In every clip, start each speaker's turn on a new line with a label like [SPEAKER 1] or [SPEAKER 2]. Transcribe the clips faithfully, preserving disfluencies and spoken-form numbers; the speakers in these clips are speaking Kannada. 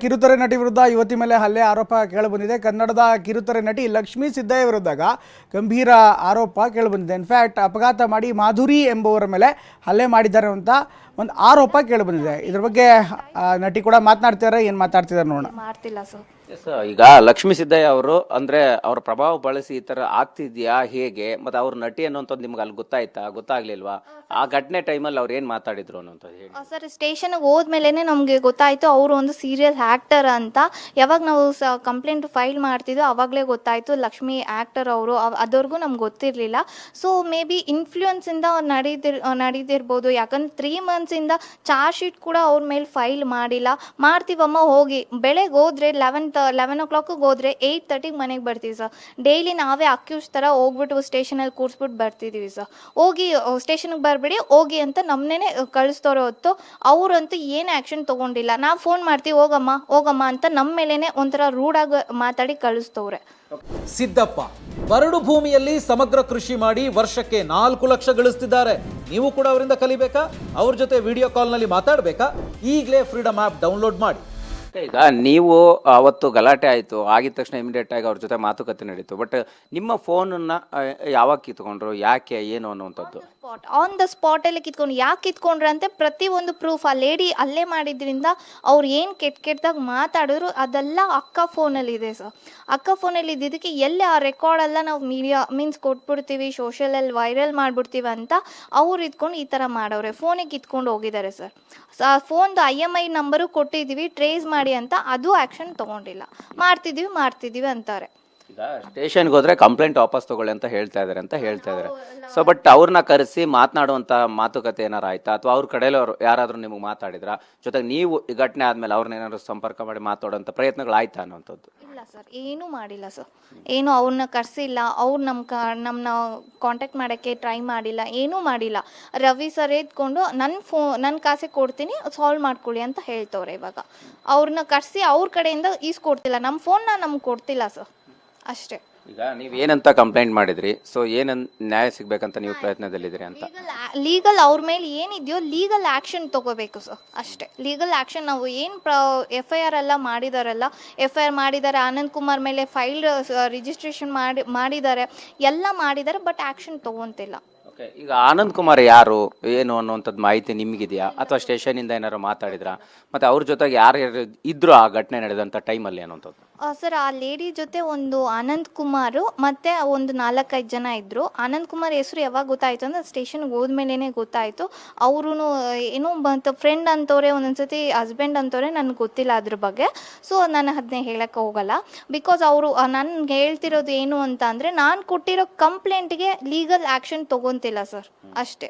[SPEAKER 1] ಕಿರುತೆರೆ ನಟಿ ವಿರುದ್ಧ ಯುವತಿ ಮೇಲೆ ಹಲ್ಲೆ ಆರೋಪ ಕೇಳಿಬಂದಿದೆ. ಕನ್ನಡದ ಕಿರುತೆರೆ ನಟಿ ಲಕ್ಷ್ಮೀ ಸಿದ್ದಯ್ಯ ವಿರುದ್ಧ ಗಂಭೀರ ಆರೋಪ ಕೇಳಿಬಂದಿದೆ. ಇನ್ಫ್ಯಾಕ್ಟ್ ಅಪಘಾತ ಮಾಡಿ ಮಾಧುರಿ ಎಂಬುವರ ಮೇಲೆ ಹಲ್ಲೆ ಮಾಡಿದ್ದಾರೆ ಅಂತ ಒಂದು ಆರೋಪ ಕೇಳಿಬಂದಿದೆ. ಇದ್ರ ಬಗ್ಗೆ ನಟಿ ಕೂಡ ಮಾತನಾಡ್ತಿದ್ದಾರೆ. ಏನು ಮಾತಾಡ್ತಿದ್ದಾರೆ ನೋಡೋಣ.
[SPEAKER 2] ಮಾಡ್ತಿಲ್ಲ ಸರ್.
[SPEAKER 3] ಎಸ್, ಈಗ ಲಕ್ಷ್ಮೀ ಸಿದ್ದಯ್ಯ ಅವರು ಅಂದ್ರೆ ಅವ್ರ ಪ್ರಭಾವ ಬಳಸಿ ಈ ತರ ಆಗ್ತಿದ್ಯಾ ಹೇಗೆ, ಮತ್ತೆ ಅವ್ರ ನಟಿ ಅನ್ನೋಂಥದ್ದು ನಿಮ್ಗೆ ಅಲ್ಲಿ ಗೊತ್ತಾಯ್ತಾ ಗೊತ್ತಾಗ್ಲಿಲ್ವಾ? ಆ ಘಟನೆ ಟೈಮಲ್ಲಿ ಅವ್ರು ಏನ್ ಮಾತಾಡಿದ್ರು ಅನ್ನೋಂಥದ್ದು ಹೇಳಿ
[SPEAKER 2] ಸರ್. ಸ್ಟೇಷನ್ಗೆ ಹೋದ್ಮೇಲೆ ನಮಗೆ ಗೊತ್ತಾಯ್ತು ಅವರು ಒಂದು ಸೀರಿಯಲ್ ಆ್ಯಕ್ಟರ್ ಅಂತ. ಯಾವಾಗ ನಾವು ಸ ಕಂಪ್ಲೇಂಟ್ ಫೈಲ್ ಮಾಡ್ತಿದ್ದೋ ಅವಾಗಲೇ ಗೊತ್ತಾಯ್ತು ಲಕ್ಷ್ಮಿ ಆ್ಯಕ್ಟರ್ ಅವರು. ಅದವರೆಗೂ ನಮ್ಗೆ ಗೊತ್ತಿರಲಿಲ್ಲ. ಸೊ ಮೇ ಬಿ ಇನ್ಫ್ಲೂಯೆನ್ಸಿಂದ ನಡೀತಿರ್ ನಡೀತಿರ್ಬೋದು. ಯಾಕಂದ್ರೆ ತ್ರೀ ಮಂತ್ಸಿಂದ ಚಾರ್ಜ್ ಶೀಟ್ ಕೂಡ ಅವ್ರ ಮೇಲೆ ಫೈಲ್ ಮಾಡಿಲ್ಲ. ಮಾಡ್ತೀವಮ್ಮ ಹೋಗಿ, ಬೆಳಗ್ಗೆ ಹೋದ್ರೆ ಲೆವೆನ್ ಲೆವೆನ್ ಓ ಕ್ಲಾಕಿಗೆ ಹೋದ್ರೆ ಏಯ್ಟ್ ತರ್ಟಿಗೆ ಮನೆಗೆ ಬರ್ತೀವಿ ಸರ್. ಡೈಲಿ ನಾವೇ ಅಕ್ಯೂಸ್ ಥರ ಹೋಗ್ಬಿಟ್ಟು ಸ್ಟೇಷನಲ್ಲಿ ಕೂರಿಸ್ಬಿಟ್ಟು ಬರ್ತಿದ್ದೀವಿ ಸರ್. ಹೋಗಿ ಸ್ಟೇಷನ್ಗೆ ಬರಬೇಡಿ ಹೋಗಿ ಅಂತ ನಮ್ಮನ್ನೇ ಕಳಿಸ್ತವ್ರೆ ಹೊತ್ತು ಅವರಂತೂ ಏನು ಆ್ಯಕ್ಷನ್ ತೊಗೊಂಡಿಲ್ಲ. ನಾವು ಫೋನ್ ಮಾಡ್ತೀವಿ ಹೋಗಮ್ಮ ಹೋಗಮ್ಮ ಅಂತ ನಮ್ಮ ಮೇಲೇ ಒಂಥರ ರೂಢಾಗಿ ಮಾತಾಡಿ ಕಳಿಸ್ತವ್ರೆ.
[SPEAKER 4] ಸಿದ್ದಪ್ಪ ಬರಡು ಭೂಮಿಯಲ್ಲಿ ಸಮಗ್ರ ಕೃಷಿ ಮಾಡಿ ವರ್ಷಕ್ಕೆ ನಾಲ್ಕು ಲಕ್ಷ ಗಳಿಸ್ತಿದ್ದಾರೆ. ನೀವು ಕೂಡ ಅವರಿಂದ ಕಲಿಬೇಕಾ? ಅವ್ರ ಜೊತೆ ವಿಡಿಯೋ ಕಾಲ್ನಲ್ಲಿ ಮಾತಾಡಬೇಕಾ? ಈಗಲೇ ಫ್ರೀಡಮ್ ಆ್ಯಪ್ ಡೌನ್ಲೋಡ್ ಮಾಡಿ.
[SPEAKER 3] ಈಗ ನೀವು ಅವತ್ತು ಗಲಾಟೆ ಆಯಿತು, ಆಗಿದ ತಕ್ಷಣ ಇಮಿಡಿಯೇಟ್ ಆಗಿ ಅವ್ರ ಜೊತೆ ಮಾತುಕತೆ ನಡೀತು. ಬಟ್ ನಿಮ್ಮ ಫೋನನ್ನು ಯಾವಾಗ ಕಿತ್ಕೊಂಡ್ರು, ಯಾಕೆ, ಏನು ಅನ್ನುವಂಥದ್ದು
[SPEAKER 2] ಸ್ಪಾಟ್ ಆನ್ ದ ಸ್ಪಾಟಲ್ಲಿ ಕಿತ್ಕೊಂಡು ಯಾಕೆ ಕಿತ್ಕೊಂಡ್ರೆ ಅಂತ ಪ್ರತಿಯೊಂದು ಪ್ರೂಫ್ ಆ ಲೇಡಿ ಅಲ್ಲೇ ಮಾಡಿದ್ರಿಂದ ಅವ್ರು ಏನು ಕೆಟ್ಟ ಕೆಟ್ಟದಾಗ ಮಾತಾಡಿದ್ರು ಅದೆಲ್ಲ ಅಕ್ಕ ಫೋನಲ್ಲಿದೆ ಸರ್. ಅಕ್ಕ ಫೋನಲ್ಲಿ ಇದ್ದಿದ್ದಕ್ಕೆ ಎಲ್ಲಿ ಆ ರೆಕಾರ್ಡೆಲ್ಲ ನಾವು ಮೀಡಿಯಾ ಮೀನ್ಸ್ ಕೊಟ್ಬಿಡ್ತೀವಿ, ಸೋಷಿಯಲಲ್ಲಿ ವೈರಲ್ ಮಾಡಿಬಿಡ್ತೀವಿ ಅಂತ ಅವ್ರು ಇದ್ಕೊಂಡು ಈ ಥರ ಮಾಡೋರೆ. ಫೋನಿಗೆ ಕಿತ್ಕೊಂಡು ಹೋಗಿದ್ದಾರೆ ಸರ್. ಫೋನ್ದು ಐ ಎಮ್ ಐ ನಂಬರು ಕೊಟ್ಟಿದ್ದೀವಿ ಟ್ರೇಸ್ ಮಾಡಿ ಅಂತ, ಅದು ಆ್ಯಕ್ಷನ್ ತೊಗೊಂಡಿಲ್ಲ. ಮಾಡ್ತಿದ್ದೀವಿ ಮಾಡ್ತಿದ್ದೀವಿ ಅಂತಾರೆ.
[SPEAKER 3] ಈಗ ಸ್ಟೇಷನ್ಗೆ ಹೋದ್ರೆ ಕಂಪ್ಲೇಂಟ್ ವಾಪಸ್ ತಗೊಳ್ಳಿ ಅಂತ ಹೇಳ್ತಾ ಇದಾರೆ ಅಂತ ಹೇಳ್ತಾ ಇದಾರೆ. ಸೊ ಬಟ್ ಅವ್ರನ್ನ ಕರೆಸಿ ಮಾತನಾಡುವಂತ ಮಾತುಕತೆ ಏನಾರು ಆಯ್ತಾ, ಅಥವಾ ಅವ್ರ ಕಡೆಯಲ್ಲವರು ಯಾರಾದ್ರೂ ನಿಮಗೆ ಮಾತಾಡಿದ್ರ? ಜೊತೆಗೆ ನೀವು ಈ ಘಟನೆ ಆದ್ಮೇಲೆ ಅವ್ರನ್ನ ಏನಾದ್ರು ಸಂಪರ್ಕ ಮಾಡಿ ಮಾತಾಡುವಂತ ಪ್ರಯತ್ನಗಳು ಆಯ್ತಾ ಅನ್ನುವಂಥದ್ದು?
[SPEAKER 2] ಇಲ್ಲ ಸರ್, ಏನೂ ಮಾಡಿಲ್ಲ ಸರ್. ಏನು ಅವ್ರನ್ನ ಕರೆಸಿಲ್ಲ, ಅವ್ರು ನಮ್ಮ ಕ ನಮ್ಮನ್ನ ಕಾಂಟ್ಯಾಕ್ಟ್ ಮಾಡೋಕ್ಕೆ ಟ್ರೈ ಮಾಡಿಲ್ಲ, ಏನೂ ಮಾಡಿಲ್ಲ. ರವಿ ಸರ್ ಎತ್ಕೊಂಡು ನನ್ನ ಫೋ ನನ್ನ ಕಾಸೆ ಕೊಡ್ತೀನಿ ಸಾಲ್ವ್ ಮಾಡ್ಕೊಳ್ಳಿ ಅಂತ ಹೇಳ್ತವ್ರೆ. ಇವಾಗ ಅವ್ರನ್ನ ಕರೆಸಿ ಅವ್ರ ಕಡೆಯಿಂದ ಈಸ್ಕೊಡ್ತಿಲ್ಲ, ನಮ್ಮ ಫೋನ್ನ ನಮ್ಗೆ ಕೊಡ್ತಿಲ್ಲ ಸರ್, ಅಷ್ಟೇ.
[SPEAKER 3] ಈಗ ನೀವು ಏನಂತ ಕಂಪ್ಲೇಂಟ್ ಮಾಡಿದ್ರಿ? ಸೊ ಏನನ್ ನ್ಯಾಯ ಸಿಗ್ಬೇಕಂತ ನೀವು ಪ್ರಯತ್ನದಲ್ಲಿದ್ದೀರಿ ಅಂತ?
[SPEAKER 2] ಲೀಗಲ್ ಅವ್ರ ಮೇಲೆ ಏನಿದೆಯೋ ಲೀಗಲ್ ಆ್ಯಕ್ಷನ್ ತೊಗೋಬೇಕು ಸರ್, ಅಷ್ಟೇ. ಲೀಗಲ್ ಆ್ಯಕ್ಷನ್ ನಾವು ಏನು ಪ್ರ ಎಫ್ ಐ ಆರ್ ಎಲ್ಲ ಮಾಡಿದಾರಲ್ಲ, ಎಫ್ ಐ ಆರ್ ಮಾಡಿದ್ದಾರೆ, ಆನಂದ್ ಕುಮಾರ್ ಮೇಲೆ ಫೈಲ್ ರಿಜಿಸ್ಟ್ರೇಷನ್ ಮಾಡಿ ಮಾಡಿದ್ದಾರೆ, ಎಲ್ಲ ಮಾಡಿದ್ದಾರೆ, ಬಟ್ ಆ್ಯಕ್ಷನ್ ತೊಗೊತಿಲ್ಲ.
[SPEAKER 3] ಓಕೆ, ಈಗ ಆನಂದ್ ಕುಮಾರ್ ಯಾರು ಏನು ಅನ್ನುವಂಥದ್ದು ಮಾಹಿತಿ ನಿಮಗಿದೆಯಾ, ಅಥವಾ ಸ್ಟೇಷನಿಂದ ಏನಾರು ಮಾತಾಡಿದ್ರಾ? ಮತ್ತು ಅವ್ರ ಜೊತೆಗೆ ಯಾರು ಇದ್ರು ಆ ಘಟನೆ ನಡೆದಂಥ ಟೈಮಲ್ಲಿ ಅನ್ನುವಂಥದ್ದು?
[SPEAKER 2] ಸರ್, ಆ ಲೇಡಿ ಜೊತೆ ಒಂದು ಆನಂದ್ ಕುಮಾರು ಮತ್ತು ಒಂದು ನಾಲ್ಕೈದು ಜನ ಇದ್ದರು. ಆನಂದ್ ಕುಮಾರ್ ಹೆಸರು ಯಾವಾಗ ಗೊತ್ತಾಯಿತು ಅಂದರೆ ಸ್ಟೇಷನ್ಗೆ ಹೋದ್ಮೇಲೆ ಗೊತ್ತಾಯಿತು. ಅವರು ಏನೋ ಮತ್ತು ಫ್ರೆಂಡ್ ಅಂತವ್ರೆ, ಒಂದೊಂದ್ಸತಿ ಹಸ್ಬೆಂಡ್ ಅಂತವ್ರೆ, ನನಗೆ ಗೊತ್ತಿಲ್ಲ ಅದ್ರ ಬಗ್ಗೆ. ಸೊ ನಾನು ಅದನ್ನೇ ಹೇಳೋಕ್ಕೆ ಹೋಗಲ್ಲ. ಬಿಕಾಸ್ ಅವರು ನನ್ಗೆ ಹೇಳ್ತಿರೋದು ಏನು ಅಂತ ಅಂದರೆ, ನಾನು ಕೊಟ್ಟಿರೋ ಕಂಪ್ಲೇಂಟ್ಗೆ ಲೀಗಲ್ ಆ್ಯಕ್ಷನ್ ತೊಗೊತಿಲ್ಲ ಸರ್, ಅಷ್ಟೇ.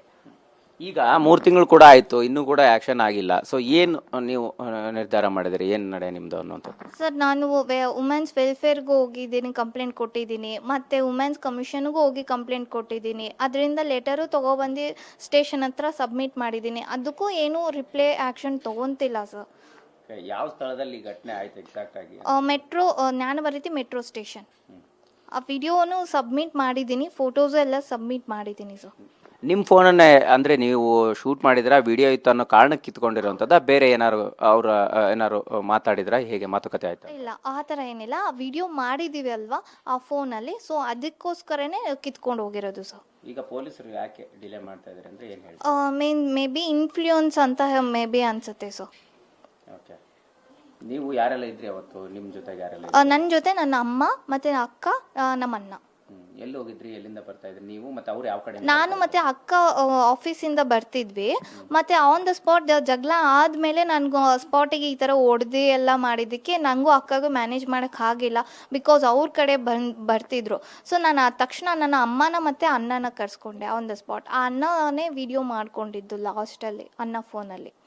[SPEAKER 3] ಈಗ ಮೂರು ತಿಂಗಳು ಕೂಡ ಆಯಿತು, ಇನ್ನೂ ಕೂಡ ಆ್ಯಕ್ಷನ್ ಆಗಿಲ್ಲ. ಸೊ ಏನು ನೀವು ನಿರ್ಧಾರ ಮಾಡಿದ್ರಿ, ಏನು ನಡೆ ನಿಮ್ಮದು ಅನ್ನೋಂಥದ್ದು?
[SPEAKER 2] ಸರ್, ನಾನು ವುಮೆನ್ಸ್ ವೆಲ್ಫೇರ್ಗೂ ಹೋಗಿದ್ದೀನಿ, ಕಂಪ್ಲೇಂಟ್ ಕೊಟ್ಟಿದ್ದೀನಿ, ಮತ್ತು ವುಮೆನ್ಸ್ ಕಮಿಷನ್ಗೂ ಹೋಗಿ ಕಂಪ್ಲೇಂಟ್ ಕೊಟ್ಟಿದ್ದೀನಿ. ಅದರಿಂದ ಲೆಟರು ತೊಗೊಬಂದು ಸ್ಟೇಷನ್ ಹತ್ರ ಸಬ್ಮಿಟ್ ಮಾಡಿದ್ದೀನಿ. ಅದಕ್ಕೂ ಏನೂ ರಿಪ್ಲೈ ಆ್ಯಕ್ಷನ್ ತೊಗೊತಿಲ್ಲ ಸರ್.
[SPEAKER 3] ಯಾವ ಸ್ಥಳದಲ್ಲಿ ಘಟನೆ ಆಯ್ತು ಎಕ್ಸಾಕ್ಟ್ ಆಗಿ?
[SPEAKER 2] Metro Jnanabharathi metro station. ಆ ವಿಡಿಯೋನು ಸಬ್ಮಿಟ್ ಮಾಡಿದ್ದೀನಿ, ಫೋಟೋಸು ಎಲ್ಲ ಸಬ್ಮಿಟ್ ಮಾಡಿದ್ದೀನಿ ಸರ್.
[SPEAKER 3] ನಿಮ್ಮ ಫೋನನ್ನೇ ಅಂದರೆ ನೀವು ಶೂಟ್ ಮಾಡಿದ್ರ, ವಿಡಿಯೋ ಇತ್ತು ಅನ್ನೋ ಕಾರಣಕ್ಕೆ ಕಿತ್ಕೊಂಡಿರೋಂಥದ್ದು, ಬೇರೆ ಏನಾರು ಅವ್ರ ಏನಾರು ಮಾತಾಡಿದ್ರ, ಹೇಗೆ ಮಾತುಕತೆ ಆಯ್ತು?
[SPEAKER 2] ಇಲ್ಲ, ಆ ಥರ ಏನಿಲ್ಲ. ಆ ವಿಡಿಯೋ ಮಾಡಿದ್ದೀವಿ ಅಲ್ವಾ ಆ ಫೋನಲ್ಲಿ, ಸೊ ಅದಕ್ಕೋಸ್ಕರನೇ ಕಿತ್ಕೊಂಡು ಹೋಗಿರೋದು ಸರ್.
[SPEAKER 3] ಈಗ ಪೊಲೀಸರು ಯಾಕೆ ಡಿಲೇ ಮಾಡ್ತಾ ಇದ್ದಾರೆ ಅಂದರೆ ಏನು ಹೇಳಿ?
[SPEAKER 2] ಮೇನ್ ಮೇ ಬಿ ಇನ್ಫ್ಲೂಯೆನ್ಸ್ ಅಂತ ಮೇ ಬಿ ಅನ್ಸುತ್ತೆ ಸರ್.
[SPEAKER 3] ಓಕೆ, ನೀವು ಯಾರೆಲ್ಲ ಇದ್ರಿ ಅವತ್ತು? ನಿಮ್ಮ ಜೊತೆಗೆ ಯಾರೆಲ್ಲ?
[SPEAKER 2] ನನ್ನ ಜೊತೆ ನನ್ನ ಅಮ್ಮ ಮತ್ತು ಅಕ್ಕ, ನಮ್ಮ ಅಣ್ಣ.
[SPEAKER 3] ಎಲ್ಲಿ ಹೋಗಿದ್ರಿ, ಎಲ್ಲಿಂದ ಬರ್ತಾ ಇದ್ರಿ ನೀವು, ಮತ್ತು ಅವ್ರು ಯಾವ ಕಡೆ?
[SPEAKER 2] ನಾನು ಮತ್ತು ಅಕ್ಕ ಆಫೀಸಿಂದ ಬರ್ತಿದ್ವಿ. ಮತ್ತು ಆನ್ ದ ಸ್ಪಾಟ್ ಜಗಳ ಆದಮೇಲೆ ನನಗೂ ಸ್ಪಾಟಿಗೆ ಈ ಥರ ಹೊಡೆದು ಎಲ್ಲ ಮಾಡಿದ್ದಕ್ಕೆ ನನಗೂ ಅಕ್ಕಗೂ ಮ್ಯಾನೇಜ್ ಮಾಡೋಕ್ಕೆ ಆಗಿಲ್ಲ. ಬಿಕಾಸ್ ಅವ್ರ ಕಡೆ ಬಂದು ಬರ್ತಿದ್ರು. ಸೊ ನಾನು ತಕ್ಷಣ ನನ್ನ ಅಮ್ಮನ ಮತ್ತು ಅಣ್ಣನ ಕರ್ಸ್ಕೊಂಡೆ ಆನ್ ದ ಸ್ಪಾಟ್. ಆ ಅಣ್ಣನೇ ವಿಡಿಯೋ ಮಾಡ್ಕೊಂಡಿದ್ದು ಲಾಸ್ಟಲ್ಲಿ, ಅಣ್ಣ ಫೋನಲ್ಲಿ.